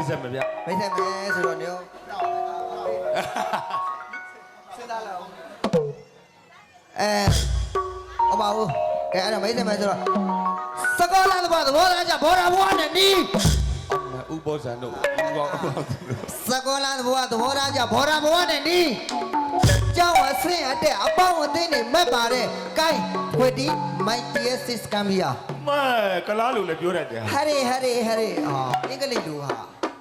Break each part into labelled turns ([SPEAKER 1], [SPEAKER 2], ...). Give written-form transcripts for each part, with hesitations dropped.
[SPEAKER 1] ဆက်မဗျ
[SPEAKER 2] မိတ်ဆက်မယ်ဆိုတော့ညစဉ်းစားလောက်ဟောပါဦးကဲအဲ့တော့မိတ်ဆက်မယ်ဆိုတော့စကောလာသဘောသားကြဘောရာဘွားနဲ့နီး
[SPEAKER 1] ဥပောဇန်တို့
[SPEAKER 2] စကောလာသဘောသားကြဘောရာဘွားနဲ့နီးကျောင်းအဆင့်အတဲ့အပေါင်းအသင်းတွေမက်ပါတဲ့ကိုင်းဝတီမိုက်တီယက်စစ်ကမ်ဘီယာ
[SPEAKER 1] မဲကလားလို့လည်းပြောတတ်တယ်
[SPEAKER 2] ဟရဲဟာအင်္ဂလိပ်လိုဟာ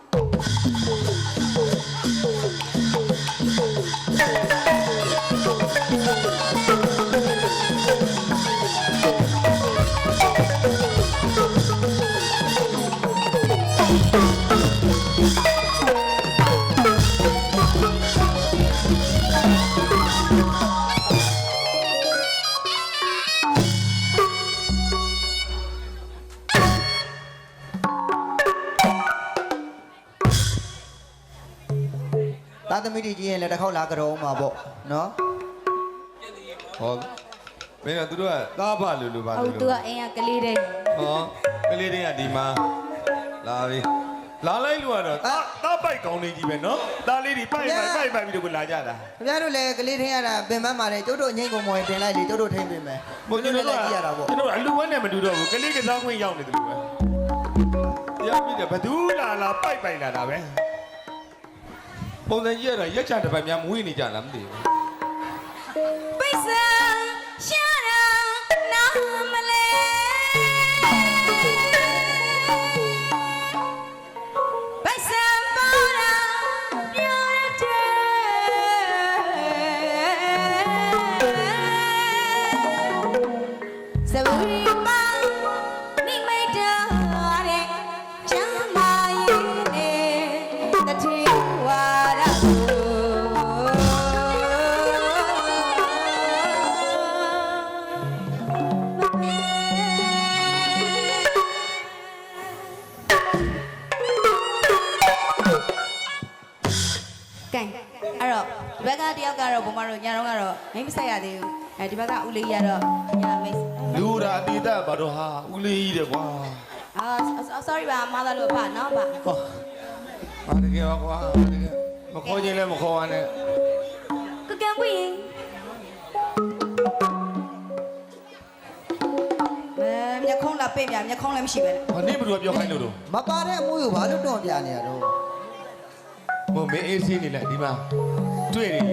[SPEAKER 2] သားသမီးတွေကြီးရင်လည်းတစ်ခေါက်လာကြတော့မှာပေါ့နော်
[SPEAKER 1] ဟောမင်းကသူတို့ကသားဖလူပါ
[SPEAKER 3] ဟုတ်သူကအိမ်ကကလေးတဲ့
[SPEAKER 1] ဟောကလေးတွေကဒီမှာလာပြီလာလိုက်လို့ကတော့သားပိုက်ကောင်းနေကြီးပဲနော်သားလေးတွေပိုက်ပြီးတော့လာကြတာ
[SPEAKER 2] ခင်ဗျားတို့လည်းကလေးထင်းရတာပင်ပန်းပါတယ်ကျုပ်တို့အငိမ့်ကုန်မော်တင်လိုက်လေကျုပ်တို့ထိန်းပေးမယ်
[SPEAKER 1] ဘုန်းကြီးတို့လည်းကြည့်ရတာပေါ့ကျွန်တော်အလူဝဲနဲ့မတူတော့ဘူးကလေးကစားခွင့်ရောက်နေတယ်လို့ပဲတရားပြီးတယ်ဘသူလာပိုက်လာတာပဲပုံစံကြီးရတာရက်ချတစ်ပတ်များမွေးနေကြလားမသိဘူး
[SPEAKER 3] ပိဿာရှာရာနာမလဲပိဿာပေါ်ရာပြောရတဲ့စဝီပါနိမိတ်တာတဲ့ချမ်းသာရဲ့တတိဝါရဘက်ကတယောက်ကတော့ဘုံမတို့ညာတော့ကတော့မိမဆက်ရသေးဘူးဒီဘက်ကဦးလေးရတော့ညာမိတ်
[SPEAKER 1] လူရာအတိတ်ဘာတော့ဟာဦးလေးကြီးတယ်ကွာ
[SPEAKER 3] sorry ပါမသားလို့ပါနော်ပါ
[SPEAKER 1] ဟောဘာတကယ်ပါကွာတကယ်မခေါ်ခြင်းလည်းမခေါ်ရနဲ့
[SPEAKER 3] ကကံဝင်းမျက်ခုံးလာပေးပြမျက်ခုံးလည်းမရှိပဲ
[SPEAKER 1] ဘာနေဘယ်လိုပြောခိုင်းလို့တော့
[SPEAKER 2] မပါတဲ့အမှုကိုဘာလို့တော့ပြနေရတော့
[SPEAKER 1] မမင်းအေးစီးနေလိုက်ဒီမှာတွေ့နေ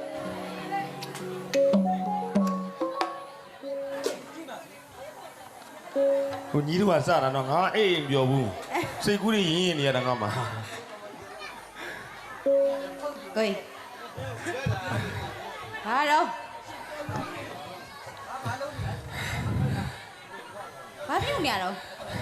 [SPEAKER 1] ဟိုညီတို့ကစတာတော့ငါအိမ်ပြောဘူးစိတ်ကူးတွေရင်းနေရတာငါမှာ
[SPEAKER 3] ကိုယ်ဟာတော့ဘာဖြစ်နေရတော့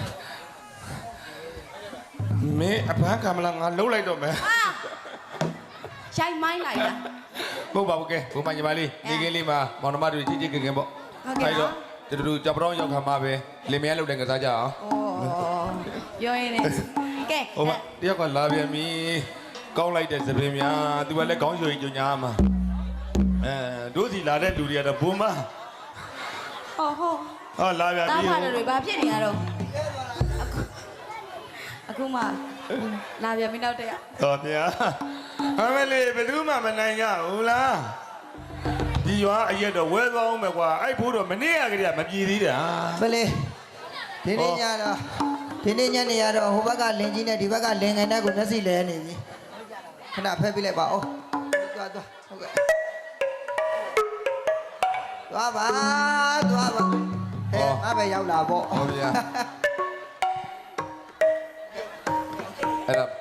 [SPEAKER 1] မင်းအဖမ်းကမလာငါလှုပ်လိုက်တော့မယ်
[SPEAKER 3] ရှိုင်းမိုင်းလိုက်တာ
[SPEAKER 1] မဟုတ်ပါဘူးကဲဘုံမညီမလေးနေကင်းလေးမှာမောင်နှမတွေချစ်ချစ်ခင်ခင်ပေါ့အဲ့တော့တူကြောက်ပြောင်းရောက်ခါမှာပဲလင်မယားလှုပ်တယ်ကစားကြအောင်
[SPEAKER 3] ပြောရင်းနဲ့ကဲ
[SPEAKER 1] ဟိုတယောက်ကလာပြန်ပြီကောင်းလိုက်တဲ့သပင်များသူကလည်းကောင်းရွှေကြညာမှာတို့စီလာတဲ့လူတွေကတော့ဘုံမဟောလာပြန်ပြီ
[SPEAKER 3] တားဖာတွေဘာဖြစ်နေရတော့အခုမှလာပြန်ပြီနောက်တရ
[SPEAKER 1] ဟောဗျာအမလေးဘယ်သူမှမနိုင်ကြဘူးလားဒီရွာအရက်တော့ဝဲသွားအောင်ပဲကွာအဲ့ဘိုးတော့မနေ့ကတည်းကမပြေသေးတာ
[SPEAKER 2] မလေးဒီနေ့ညတော့ဒီနေ့ညနေရတော့ဟိုဘက်ကလင်ကြီးနဲ့ဒီဘက်ကလင်ငယ်နဲ့ကိုမျက်စိလဲနေပြီခဏဖက်ပြလိုက်ပါဦးသွားဟုတ်ကဲ့သွားပါဟဲ့ငါပဲရောက်လာပေါ့
[SPEAKER 1] ဟုတ်ဗျာအဲ့တော့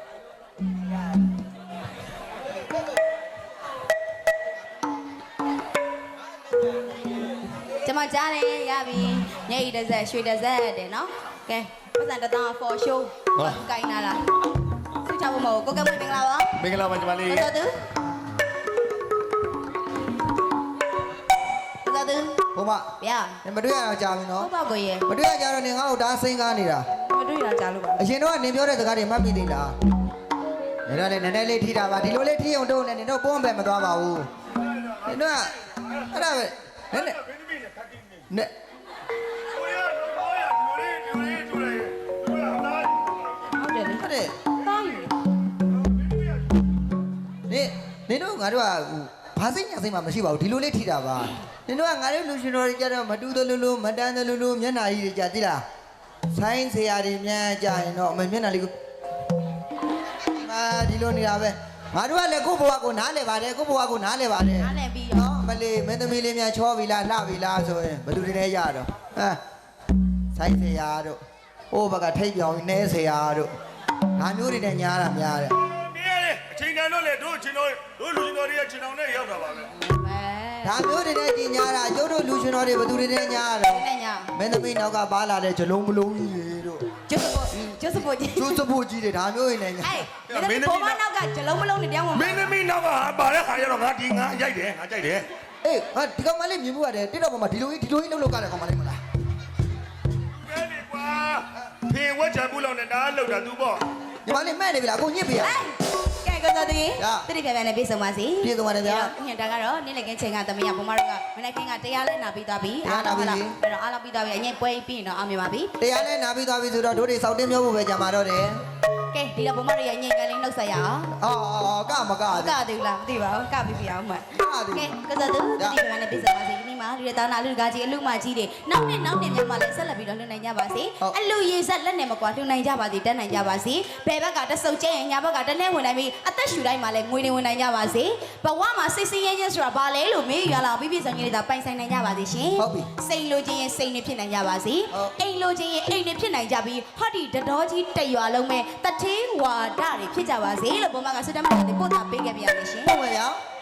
[SPEAKER 3] ကျွန်မကြားတယ်ရပြီညအိတစ်ဆက်ရွှေတစ်ဆက်တဲ့နော်ကဲပတ်စံတစ်တောင်း for show ဘာကိုင်းလာလားဆွေးချဖို့မဟုတ်ကိုကဲမင်္ဂလာပါ
[SPEAKER 1] မင်္ဂလာပါညီမလေး
[SPEAKER 3] ဟုတ်တယ်
[SPEAKER 2] ဘုမ
[SPEAKER 3] ဗျာ
[SPEAKER 2] မတွေ့ရတော့ကြာပြီနော်
[SPEAKER 3] ဟုတ်ပါကိုရေ
[SPEAKER 2] မတွေ့ရကြတော့နင်ငါ့ကိုဒါစိန်ကားနေတာ
[SPEAKER 3] မတွေ့ရကြာလို့ပါ
[SPEAKER 2] အရင်တော့နင်ပြောတဲ့စကားတွေမှတ်ပြီးသေးလားနင်တော့လည်းနည်းနည်းလေးထိတာပါဒီလိုလေးထိအောင်တော့လည်းနင်တို့ပုံပဲမသွားပါဘူးနင်တို့ကအဲ့ဒါပဲနည်းနည်းနဲ့
[SPEAKER 3] ဟုတ်တယ်လေ
[SPEAKER 2] ဟုတ်တယ်
[SPEAKER 3] တားယူ
[SPEAKER 2] တို့ကဘာစိတ်ညာစိတ်မှမရှိပါဘူးဒီလိုလေးထိတာပါနင်တို့ကငါတို့လူရှင်တော်တွေကြတော့မတူသလိုလိုမတန်းသလိုလိုမျက်နှာကြီးတွေကြာသိလားဆိုင်းဆရာတွေများကြာရင်တော့မျက်နှာလေးကိုဒီလိုနေတာပဲငါတို့ကလည်းကိုယ့်ဘဝကိုနားလဲပါတယ်ကိုယ့်ဘဝကိုနားလဲပါတယ်
[SPEAKER 3] နားလည်ပြီး
[SPEAKER 2] နော်မလေးမင်းသမီးလေးများချောပြီလားလှပြီလားဆိုရင်ဘယ်သူတွေလဲရတော့ဆိုင်းဆရာတို့ဟိုဘက်ကထိတ်ပြောင်နေဆရာတို့ငါမျိုးတွေနဲ့ညားတာများတယ်
[SPEAKER 1] မင်းရတယ်အချိန်တန်တော့လေတို့ချင်းတော်တို့လူချင်းတော်တွေကချင်းတော်နဲ့ရောက်တာပါပဲ
[SPEAKER 2] ဒါမျိုးတွေနဲ့ကြီးညားတာကျုပ်တို့လူရှင်တော်တွေဘယ်သူတွေနဲ့ညားတော့
[SPEAKER 3] နဲ့ညာ
[SPEAKER 2] မင်းသမီးနောက်ကပါလာတဲ့ဂျလုံးမလုံးကြီးတို့
[SPEAKER 3] ကျုပ်စဖို့ကြီး
[SPEAKER 2] ကျိုးစဖို့ကြီးတွေဒါမျိုးတွေနဲ့ညာ
[SPEAKER 3] အေးဘုံမနောက်ကဂျလုံးမလုံးနဲ့တောင်းမှာ
[SPEAKER 1] မင်းသမီးနောက်ကပါတဲ့ခါကျတော့ငါဒီငါရိုက်တယ်ငါကြိုက်တယ်
[SPEAKER 2] အေးဟာဒီကောင်မလေးမြင်မှုရတယ်တိတော့ပေါ်မှာဒီလိုကြီးလှုပ်ကြတဲ့ကောင်မလေးမလား
[SPEAKER 1] ကဲလေကွာဖေဝက်ချဘူးလောက်နဲ့နားလောက်တာ तू ပေါ့
[SPEAKER 2] ညီမလေးမဲ့နေပြီလားအခုညစ်ပြီလား
[SPEAKER 3] ကဲကောတော်တီတိတိပြပြနဲ့ပြေဆုံးပါစီ
[SPEAKER 2] ပြေဆုံးပါတယ်ဗျာ
[SPEAKER 3] ညင်တာကတော့နေ့လည်ကင်းချိန်ကသမီးရဘုံမတို့ကမနေ့ကင်းကတရားလဲနာပြီးသွားပြီအဲ့တော့အားလောက်ပြီးသွားပြီအရင်ပွဲပြီးရင်တော့အောင်မြင်ပါပြီ
[SPEAKER 2] တရားလဲနာပြီးသွားပြီဆိုတော့တို့တွေစောက်တင်းမျိုးဖို့ပဲကြာမှာတော့တယ်
[SPEAKER 3] ကဲဒီတော့ဘုံမတို့ရညင်ကလေးနှုတ်ဆက်ရအောင်
[SPEAKER 2] အော်ကမက
[SPEAKER 3] ကသေးလားမသိပါဘူးကပြီးပြအောင်မှကဲကောတော်တီတိတိပြပြနဲ့ပြေဆုံးပါစီဒီနေ့မှာလူတွေတောင်းတာလူကကြီးအလူမကြီးတွေနောက်နှစ်မြန်မာလည်းဆက်လက်ပြီးတော့လှူနိုင်ကြပါစေအလူရေဆက်လက်နဲ့မကွာလှူနိုင်ကြပါစေတက်နိုင်ကြပါစေဘယ်ဘက်ကတဆုပ်ကျဲရင်ညာဘက်ကတလဲဝင်နိုင်ပြီးအသက်ရှူတိုင်းမှာလည်းငွေတွေဝင်နိုင်ကြပါစေဘဝမှာစိတ်ဆင်းရဲခြင်းဆိုတာဘာလဲလို့မေးရလာပြီးပြည့်စုံကြီးတွေသာပိုင်ဆိုင်နိုင်ကြပါစေရှင်စိတ်လိုချင်ရင်စိတ်နဲ့ဖြစ်နိုင်ကြပါစေအိမ်လိုချင်ရင်အိမ်နဲ့ဖြစ်နိုင်ကြပြီးဟောဒီတတော်ကြီးတရွာလုံးမဲ့တထေးဝါဒတွေဖြစ်ကြပါစေလို့ဘုံမကဆွတ္တမတွေပို့တာပေးခဲ့ပြရမယ်ရှင်
[SPEAKER 2] ဟုတ်ပါဗျာ